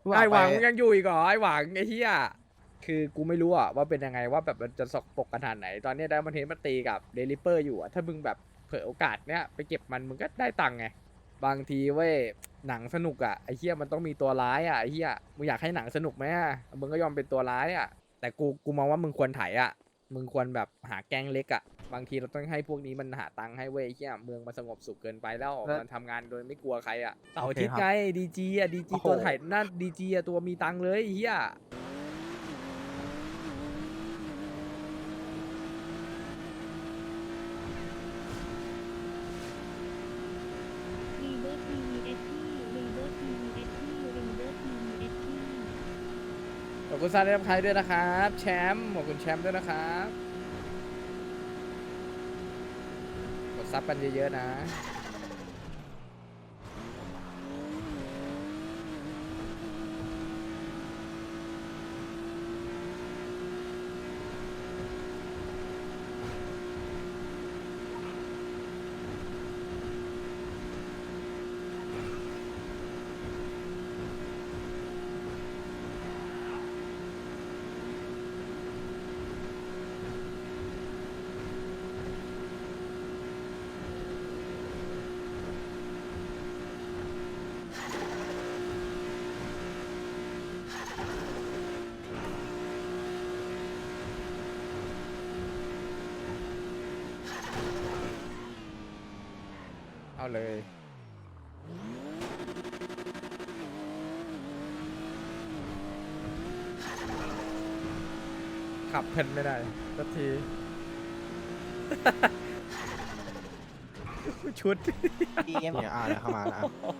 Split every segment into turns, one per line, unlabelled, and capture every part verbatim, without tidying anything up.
ไอ้หวัง
ไป
ยังอยู่อีกเหรอไอ้หวังไอ้เหี้ยคือกูไม่รู้อะว่าเป็นยังไงว่าแบบมันจะสกปรกขนาดไหนตอนนี้ได้มันเทนมาตีกับเดลิเปอร์อยู่อะถ้ามึงแบบเผลอโอกาสเนี้ยไปเก็บมันมึงก็ได้ตังค์ไงบางทีเว้ยหนังสนุกอะไอ้เหี้ยมันต้องมีตัวร้ายอะไอ้เหี้ยมึงอยากให้หนังสนุกไหมอะมึงก็ยอมเป็นตัวร้ายอะแต่กูกูมองว่ามึงควรไถอะมึงควรแบบหาแก๊งเล็กอะบางทีเราต้องให้พวกนี้มันหาตังค์ให้เว้ยไอ้เหี้ยเมืองมันสงบสุขเกินไปแล้ว
แล้ว
มันทำงานโดยไม่กลัวใครอะเสาร์
โอ
อา
เค
ทิตย์
ครับ
ไงดีจีอะดีจี
โอ้โห
ตัวไถหน้าดีจีอะตัวมีตังค์เลยไอ้เหี้ย
รีเบิร์ทีวีเอสที่รีเบิร์ทีวีเอสที่รีเบิร์ทีวีเอสที่
ขอบคุณซาเลียมไทยด้วยนะครับแชมป์ขอบคุณแชมป์ด้วยนะครับกดซับกันเยอะๆนะเอาเลยขับเพลินไม่ได้สักที ชุด
เนี่ยอ่าเข้ามาแล้ว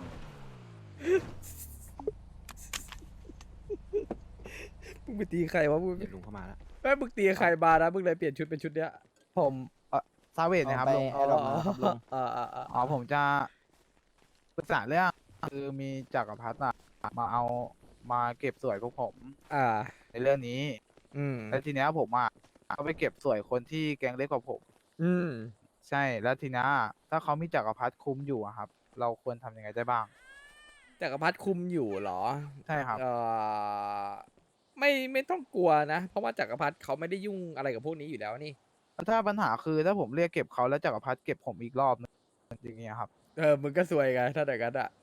มึงไปตีใครวะมึง
เดี๋ยวลุงเข้ามาแล้ว
เอ้ยมึงตีใครมานะมึงเลยเปลี่ยนชุดเป็นชุดเนี้ย
ผมเออซาเวดนะครับลุง
อ๋ออ๋ออ๋อ
อ๋อผมจะปรึกษาเรื่องคือมีจักรพรรดิอะมาเอามาเก็บสวยพวกผม
อ่า
ในเรื่องนี้
อืม
แล้วทีเนี้ยผมอ่ะก็ไปเก็บสวยคนที่แก๊งเล็กกว่าผม
อืม
ใช่แล้วทีเนี้ยถ้าเขามีจักรพรรดิคุ้มอยู่อะครับ เราควรทำยังไงได้บ้าง
จักรพรรดิคุมอยู่เหรอ
ใช่ครับ
เออไม่ไม่ต้องกลัวนะ เพราะว่าจักรพรรดิเขาไม่ได้ยุ่งอะไรกับพวกนี้อยู่แล้วนี่
แล้วถ้าปัญหาคือถ้าผมเรียกเก็บเขาแล้วจักรพรรดิเก็บผมอีกรอบนึงอย่างเงี้ยครับ
เออ มึงก็ซวยไงถ้าอย่างนั้นอ่ะ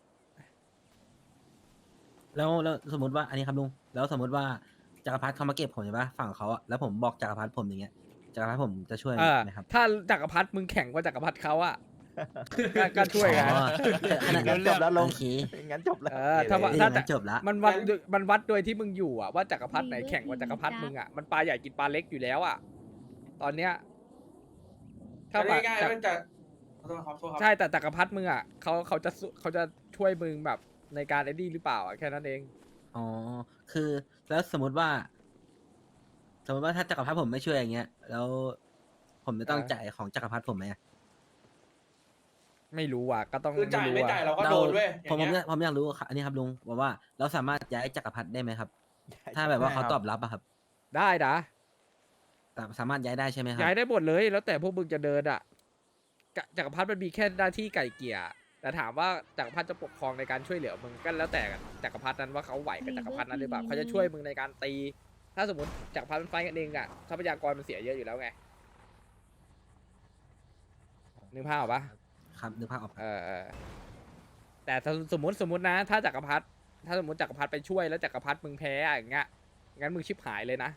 แล้วแล้วสมมติว่าอันนี้ครับลุงแล้วสมมติว่าจักรพรรดิเขามาเก็บผมใช่ปะฝั่งเขาอะแล้วผมบอกจักรพรรดิผมอย่างเงี้ยจักรพรรดิผมจะช่วย
เออ
ไหมครับ
ถ้าจักรพรรดิมึงแข่งกว่าจักรพรรดิเขาอะ ก็ก็ช่วยไง
อ๋อขนาด
งั้นจบแล้วลุง
โอเค
งั้นจบแล้ว
เออถ้าว่า
เอ้ย
ถ้า
งั้นจบละ
มันวัดด้วยมันวัดโดยที่มึงอยู่อะว่าจักรพรรดิไหนแข่งกว่าจักรพรรดิมึงอะมันปลาใหญ่กินปลาเล็กอยู่แล้วอะตอนเนี้ยถ้า
ก็
แบบ
ง่ายๆมันจะขอโทษครับโทษครับ
ใช่แต่จักรพรรดิมึงอะเขาเขาจะสู้เขาจะช่วยมึงแบบในการไอ้นี่หรือเปล่าอะแค่นั้นเอง
อ๋อคือแล้วสมมติว่า สมมติว่าถ้าจักรพรรดิผมไม่ช่วยอย่างเงี้ย แล้ว ผมจะต้อง
อ่า
จ่ายของจักรพรรดิผมไหมอะ
ไม่รู้อ่ะก็ต้อง
คือจ่าย
รู้
ไม่
อะ
จ่ายเราก็โดนเว้ยอ
ผม
ย่าง
ผม
เงี้
อย ยากผมอยากรู้ค่ะอันนี้ครับลุงบอกว่าเราสามารถย้ายจักรพรรดิได้ไหมครับ ถ้าแบบว่าเขาตอบรับอะครับ
ได้นะ
สาสามารถย้ายได้ใช่ไหมครับ
ย้ายได้หมดเลยแล้วแต่พวกมึงจะเดินอ่ะกะจักรพรรดิมันมีแค่หน้าที่ไก่เกลี่ยแต่ถามว่าจักรพรรดิจะปกครองในการช่วยเหลือมึงก็แล้วแต่จักรพรรดินั้นว่าเขาไหวกับจักรพรรดินั้นหรือเปล่าเขาจะช่วยมึงในการตี ถ้าสมมติจักรพรรดิมันไฟท์กันเองอ่ะทรัพยากรมันเสียเยอะอยู่แล้วไงนึกภาพออกปะ
ครับนึกภาพออกครับ
เออเออแต่ถ้าสมมติสมมตินะ ถ้าจักรพรรดิถ้าสมมติจักรพรรดิไปช่วยแล้วจักรพรรดิมึงแพ้อะอย่างเงี้ยงั้นมึงชิบหายเลยนะ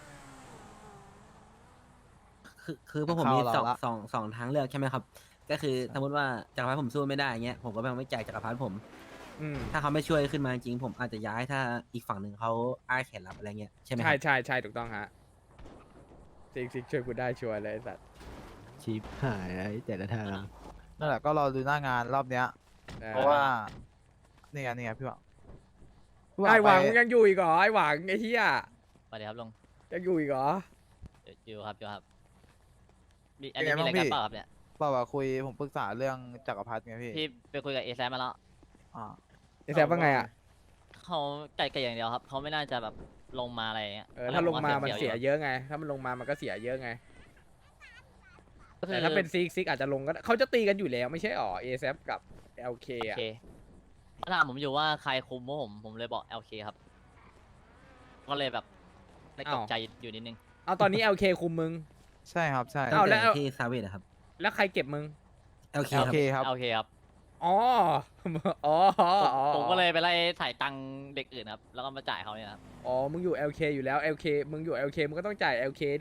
คือคือพวกผม
เข้า
มี
เรา
สอง
ละ
สองสองทางเลือกใช่ไหมครับ ก็คือสมมติว่าจักรพรรดิผมสู้ไม่ได้เงี้ยผมก็ไม่จ่ายจักรพรรดิผม
อืม
ถ้าเขาไม่ช่วยขึ้นมาจริงผมอาจจะย้ายถ้าอีกฝั่งหนึ่งเขาอ้าแขนรับอะไรเงี้ยใช่ไหมค
ใช่
รับ
ใช่ใช่ถูกต้องฮะซิกซิกช่วยกูได้ชัวร์เลยไอ้สัตว์
ชิปหายแล้วแต่ละทาง
นั่นแหละก็รอดูหน้างานรอบเนี้ย
ออ
เพราะว่านี่ไงนี่ไงพี่หวังพี่
ไอ้หวัง
ไป
มึงยังอยู่อีกเหรอไอ้หวังไอ้เหี้ย
สวัสดีครับลุง
ยังอยู่อีกเหรอ
อยู่ครับอยู่ครับมีอันนี้มีอะไรกันเปล่าครับเนี่ย
เปล่าว่าคุยผมปรึกษาเรื่องจักรพรรดิไงพี่
พี่ไปคุยกับเอแซมาแล้ว
อ่า
ไอ้แซมว่าไงอ่ะ
เขาไก่ไก่อย่างเดียวครับเขาไม่น่าจะแบบลงมาอะไรอย่างเงี้ย
เออถ้าลงมามัน
ผ
เสีย
ว่า
เยอะไง ถ้ามันลงมามันก็เสียเยอะไง
ก็คือ
แต่ถ้าเป็นซิกซิกอาจจะลงก็ได้เขาจะตีกันอยู่แล้วไม่ใช่หรอเอแซกับ แอล เค
โอ
อ่ะ
เคถามผมอยู่ว่าใครคุมพวกผมผมเลยบอก แอล เค ครับ ก็เลยแบบได้ตกใจอยู่นิดนึง
เอาตอนนี้ แอล เค คุมมึง
ใช่ครับใช่
ตั้
เอา
ง
แล้
แต่
ว
ที่ซาเวดอะครับ
แล้วใครเก็บมึง
โอเค
โอ
ครับ
เคครับ
โอเคครับ
อ๋อ อ๋อ
ผม
อ๋อ
ผมก็เลยไปไล่ถ่ายตังค์เด็กอื่นครับ แล้วก็มาจ่ายเขาเนี่ยครับ
อ๋อ มึงอยู่ แอล เค อยู่แล้ว แอล เค มึงอยู่ แอล เค มึงก็ต้องจ่าย แอล เค ดิ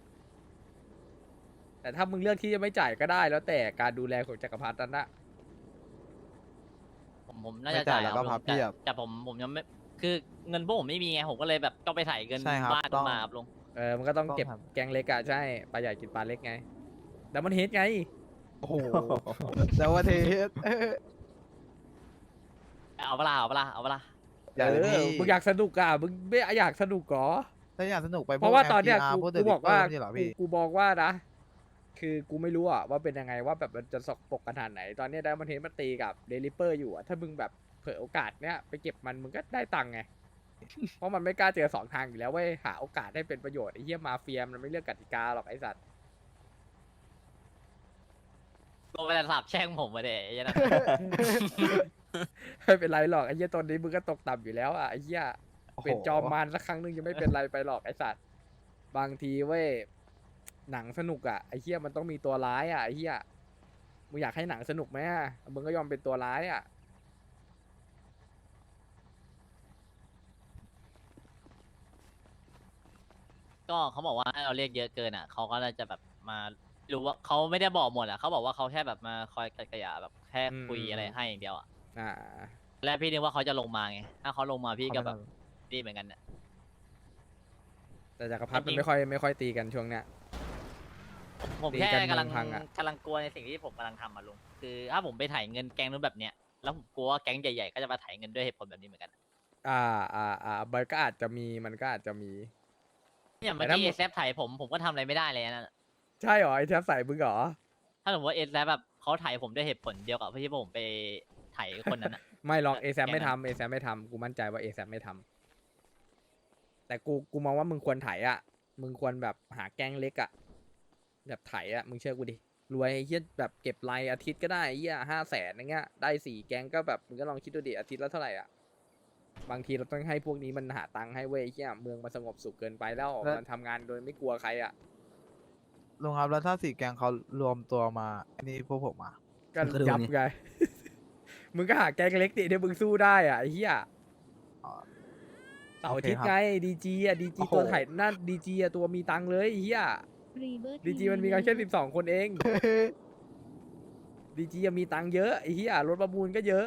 แต่ถ้ามึงเลือกที่จะไม่จ่ายก็ได้แล้วแต่การดูแลของจักรพรรดินั้นนะ
ผมผมน่า
ไม่
จะ
จ่า
จ่าย ย
แล้ว
ค
ก็
รับ
พับ
แต่
เพียบ
แต่ผมผมยังไม่คือเงินพวกผมไม่มีไงผมก็เลยแบบต้องไปถ่ายเงิน
ใช่ครับ
บ้าน
ต้อง
มาครับลุง
เออ มันก็ต้อง
ต้อง
เก็บ
ครับ
แกงเล็กอะใช่ ปลาใหญ่กินปลาเล็กไง แต่มันเฮดไง
โอ้โหแต่ว่าเทส
เอาเวลาเอาเวลาเอาเวลา
อย่าเลย
เอ
พี่
อ มึงอยากสนุกอะมึงไม่อยากสนุกเหรอ
ถ้าอยากสนุกไป
เพราะว่าตอนเนี้ย
แอล
กู
พี อาร์พวก
กู
The
บอกว่า
Ripper นี่เหรอ
กู
พี่
กูบอกว่านะ คือกูไม่รู้อะว่าเป็นยังไงว่าแบบมันจะสกปรกขนาดไหน ตอนเนี้ยได้มันเห็นมันตีกับเดลิเปอร์อยู่อะถ้ามึงแบบเผลอโอกาสเนี้ยไปเก็บมันมึงก็ได้ตังค์ไง เพราะมันไม่กล้าเจอสองทางอยู่แล้วเว้ยหาโอกาสให้เป็นประโยชน์ไอ้เหี้ยมาเฟียมันไม่เลือกกติกาหรอกไอ้สัตว์
โดนไปแต่สาบแช่งผมมาเดะไอ้เหี้ยนะ
ไม่เป็นไรหรอกไอ้เหี้ยตอนนี้มึงก็ตกต่ำอยู่แล้วอะไอ้เหี้ย
โอ้โห
เป็นจอมมารสักครั้งหนึงยังไม่เป็นไรไปหรอกไอ้สัตว์บางทีเว้ยหนังสนุกอะไอ้เหี้ยมันต้องมีตัวร้ายอะไอ้เหี้ยมึงอยากให้หนังสนุกไหมอะมึงก็ยอมเป็นตัวร้ายอะ
ก็เขาบอกว่าให้เราเรียกเยอะเกินอ่ะเขาก็จะแบบมารู้ว่าเขาไม่ได้บอกหมดอ่ะเขาบอกว่าเขาแค่แบบมาคอยกัดกระยาแบบแค่คุยอะไรให้อย่างเดียวอ่ะ
อ่า
และพี่นึกว่าเขาจะลงมาไงถ้าเขาลงมาพี่ก็แบบดีเหมือนกันเนี่ย
แต่จักรพรรดิ
จริ
มัน
งๆ
ไม่ค่อยไม่ค่อยตีกันช่วงเนี้ย
ผม
ตี
แค่
กัน
กำลัง
เมืองพังอะ
กำลังกลัวในสิ่งที่ผมกำลังทำอ่ะลุงคือถ้าผมไปถ่ายเงินแก๊งนู้นแบบเนี้ยแล้วผมกลัวว่าแก๊งใหญ่ๆก็จะมาถ่ายเงินด้วยเหตุผลแบบนี้เหมือนกัน
อ่าอ่าอ่ามันก็อาจจะมีมันก็อาจจะมี
อย่างเมื่อ
แต่ถ้า
กี้
มึ
เอง แซฟถ่ายผมผมก็ทำอะไรไม่ได้เลยนะ
ใช่เหรอไอ้แทบใส่มึงเหรอ
ถ้าสมมติว่าเอแซฟแบบเขาถ่ายผมด้วยเหตุผลเดียวกับที่ผมไปถ่ายคนนั้นอะ
ไม่ลองเอ
แก
แซ
งนั้น
ไม่ทำเอแซไม่ทำกูมั่นใจว่าเอแซไม่ทำแต่กูกูมองว่ามึงควรไถอ่ะ มึงควรแบบหาแก๊งเล็กอ่ะแบบไถอ่ะมึงเชื่อกูดิรวยไอ้เหี้ยแบบเก็บรายอาทิตย์ก็ได้ไอ้เหี้ยห้าแสนอย่างเงี้ยได้สี่แก๊งก็แบบมึงก็ลองคิดดูดิอาทิตย์ละเท่าไหร่อ่ะบางทีเราต้องให้พวกนี้มันหาตังค์ให้เว้ยไอ้เหี้ยเมืองมันสงบสุขเกินไปแล้ว
แล้ว
มันทำงานโดยไม่กลัวใครอ่ะ
ลุงครับแล้วถ้าสี่แกงเขารวมตัวมาอันนี้พวกผมมา
ก็
มึงก็ดู
ยับ
นี่
ไง มึงก็หาแก๊งเล็กดิที่มึงสู้ได้อ่ะไอ้เหี้ย
อ๋อ
เสาร์อาทิตย์
โอเคครับ
ไงดีจีอ่ะดีจี
โอ้โห
ตัวถ่ายนั่นดีจีอ่ะตัวมีตังค์เลยไอ้เหี้ย
รีเบิร์
ดีจีมันมีกันแค่สิบสองคนเองดีจีมีตังค์เยอะไอ้เหี้ยรถประมูลก็เยอะ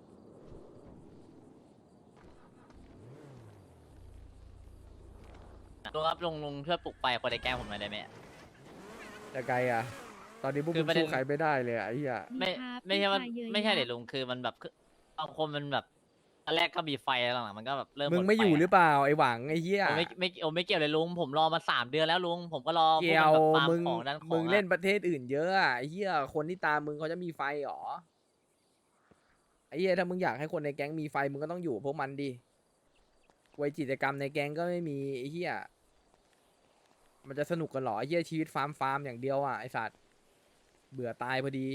ลุงครับลุงลุงช่วยปลุกไปคนในแก๊งผมหน่อยได้ไหม
แต่ไกลอ่ะ ตอนนี้พวก
คื
มึ
อง ประเด็น
สู้ใครไม่ได้เลยอ่ะไอ้เหี้ย
ไม่
ครับ
ไม่ใช่ว่า
พี่ชายเยอะ
ไม่ใช่
แยะ
เดี๋ยวลุงคือมันแบบคือบางคนมันแบบตอนแรกก็มีไฟหลังๆมันก็แบบเริ่ม
มึง
ด
ไม่อยู่
ฟะ
หรือเปล่าไอ้หวังไอ้เหี้ย
ผมไม่ไม่โอ้ไม่เกี่ยวเลยลุงผมรอมาสามเดือนแล้วลุงผมก็รอพว
เกี่ยว
มันแบบฟาร์
มึง
ของด้านของ
มึงเล่น
อะ
ประเทศอื่นเยอะอ่ะไอ้เหี้ยคนที่ตามมึงเขาจะมีไฟหรอไอ้เหี้ยถ้ามึงอยากให้คนในแก๊งมีไฟมึงก็ต้องอยู่กับพวกมันดิไว้กิจกรรมในแก๊งก็ไม่มีไอ้เหี้ยมันจะสนุกกันหรอไอ้เหี้ยชีวิตฟาร์มฟาร์มอย่างเดียวอ่ะไอ้สัตว์เบื่อตายพอดี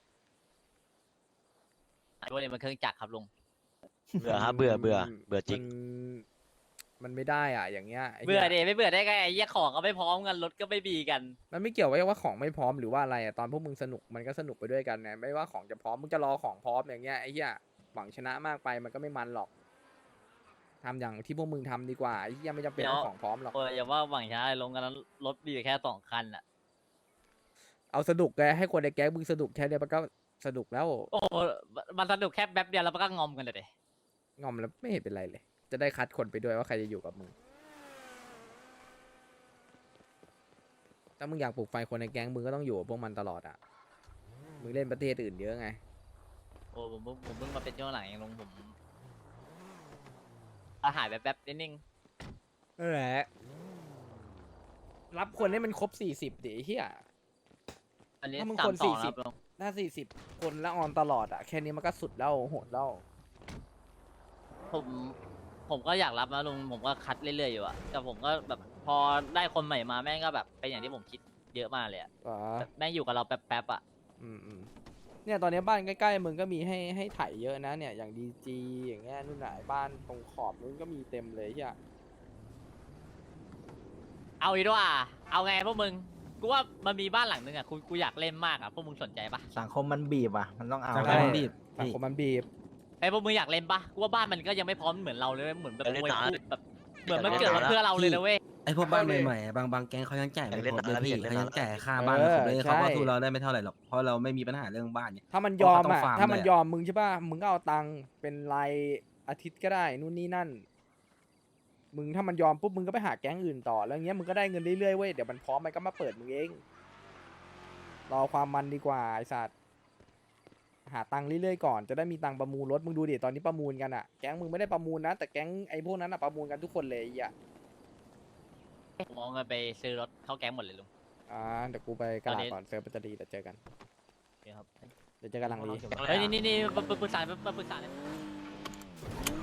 ไอ้พวกนี้มันเครื่องจักรครับลุง
เบื่อครับเบื่อเบื่อเบื่อจริง
มันมันไม่ได้อ่ะอย่างเงี้ยไหี้ย
เบื่อเดไม่เบื่อได้ไงไอ้เหี้ยของก็ไม่พร้อมกันรถก็ไม่มีกัน
มันไม่เกี่ยวว่าของไม่พร้อมหรือว่าอะไรอ่ะตอนพวกมึงสนุกมันก็สนุกไปด้วยกันไงไม่ว่าของจะพร้อมมึงจะรอของพร้อมอย่างเงี้ยไอ้เหี้ยหวังชนะมากไปมันก็ไม่มันหรอกทำอย่างที่พวกมึงทำดีกว่าไอ้เหี้ยไม่จำเป็นต้องของพร้อมหรอก
โอ้ยอย่าว่าหวังชนะเลยลงกันนั้นรถมีอยู่แค่สองคันอ่ะ
เอาสนุกไงให้คนในแก๊งมึงสนุกแค่เนี้ยมันก็สนุกแล้ว
โอ้โหมันสนุกแค่แป๊บเดียวแล้วมันก็งอมกันเลยเด
งอมแล้วไม่เห็นเป็นไรเลย จะได้คัดคนไปด้วยว่าใครจะอยู่กับมึงถ้ามึงอยากปลุกไฟคนในแก๊งมึงก็ต้องอยู่กับพวกมันตลอดอ่ะมึงเล่นประเทศอื่นเยอะไง
โอ้ผมเพิ่งผมเพิ่งมาเป็นช่วงหลังเองลงผมอาหายแบบแป๊บๆนิดนึง
นั่นแหละรับคนให้มันครบสี่สิบดิไอ้เฮีย
อันนี้
ถ้ามึง
สา
ค
ม
น
สอง
สี่สิบ
ครับลง
ถ้าสี่สิบคนแล้วออนตลอดอ่ะแค่นี้มันก็สุดแล้วโหดแล้ว
ผมผมก็อยากรับนะลุงผมก็คัดเรื่อยๆอยู่อะแต่ผมก็แบบพอได้คนใหม่มาแม่งก็แบบเป็นอย่างที่ผมคิดเยอะมากเลยอะ
อ๋อ
แบบแม่งอยู่กับเราแป๊บๆอะ
อืมอืมเนี่ยตอนนี้บ้านใกล้ๆมึงก็มีให้ให้ไถเยอะนะเนี่ยอย่างดีจีอย่างเงี้ยนู่นน่ะบ้านตรงขอบนู้นก็มีเต็มเลยเฮีย
เอาอีกด้วยอ่ะเอาไงพวกมึงกูว่ามันมีบ้านหลังนึงอ่ะกูกูอยากเล่นมากอ่ะพวกมึงสนใจปะ
สังคมมันบีบอ่ะ มันต้องเอา
สังค
ใช่
มมันบีบ
สังคมมันบีบ
ไอ้พวกมึงอยากเล่นปะกูว่าบ้านมันก็ยังไม่พร้อมเหมือนเราเลยเหมือนแบบ
อยากเล่น
มวย
หนา
คู่แบบเหมือนมัน
อยากเล่น
เกิดมา
หนา
เพื่อเราเลยนะเว้ย
ไอพวกบ้านใหม่ๆอะบางบางแก๊งเขายังจ่าย
อยาก
ไม่
เล่น
ครบเลย
นาน
พี่
อยากเล่น
เขายัง
นาน
จ่ายค่าบ้าน
เออ
ครบเลย
ใช่
เขาก็สู้เราได้ไม่เท่าไหร่หรอกเพราะเราไม่มีปัญหาเรื่องบ้านเนี่ย
ถ้ามันยอม
เพราะเขาต้
อ่ะ
องฟาร์ม
ถ้ามัน
ด้วย
ยอมมึงใช่ป่ะมึงก็เอาตังค์เป็นรายอาทิตย์ก็ได้นู่นนี่นั่น มึงถ้ามันยอมปุ๊บมึงก็ไปหาแก๊งอื่นต่อแล้วเงี้ยมึงก็ได้เงินเรื่อยๆเว้ยเดี๋ยวมันพร้อมมันก็มาเปิดมึงเองรอความมันดีกว่าไอ้สัตว์หาตังค์เรื่อยๆก่อนจะได้มีตังค์ประมูลรถมึงดูดิตอนนี้ประมูลกันอ่ะแก๊งมึงไม่ได้ประมูลนะแต่แก๊งไอ้พวกนั้นอ่ะประมูลกันทุกคนเลยไอ่ะ
ผมเอาเงินไปซื้อรถเข้าแก๊งหมดเลยลุง
อ่าเดี๋ยวกูไปกระ
ตอน
ดาษ
นี้
ก่อนเซิร์ฟมันจะดีเดี๋ยวเจอกัน
โอเคครับ
เดี๋ยวเจอกันหลังนี้
เฮ้ยนี่นี่นี่มาปรึกษามาปรึกษาเลย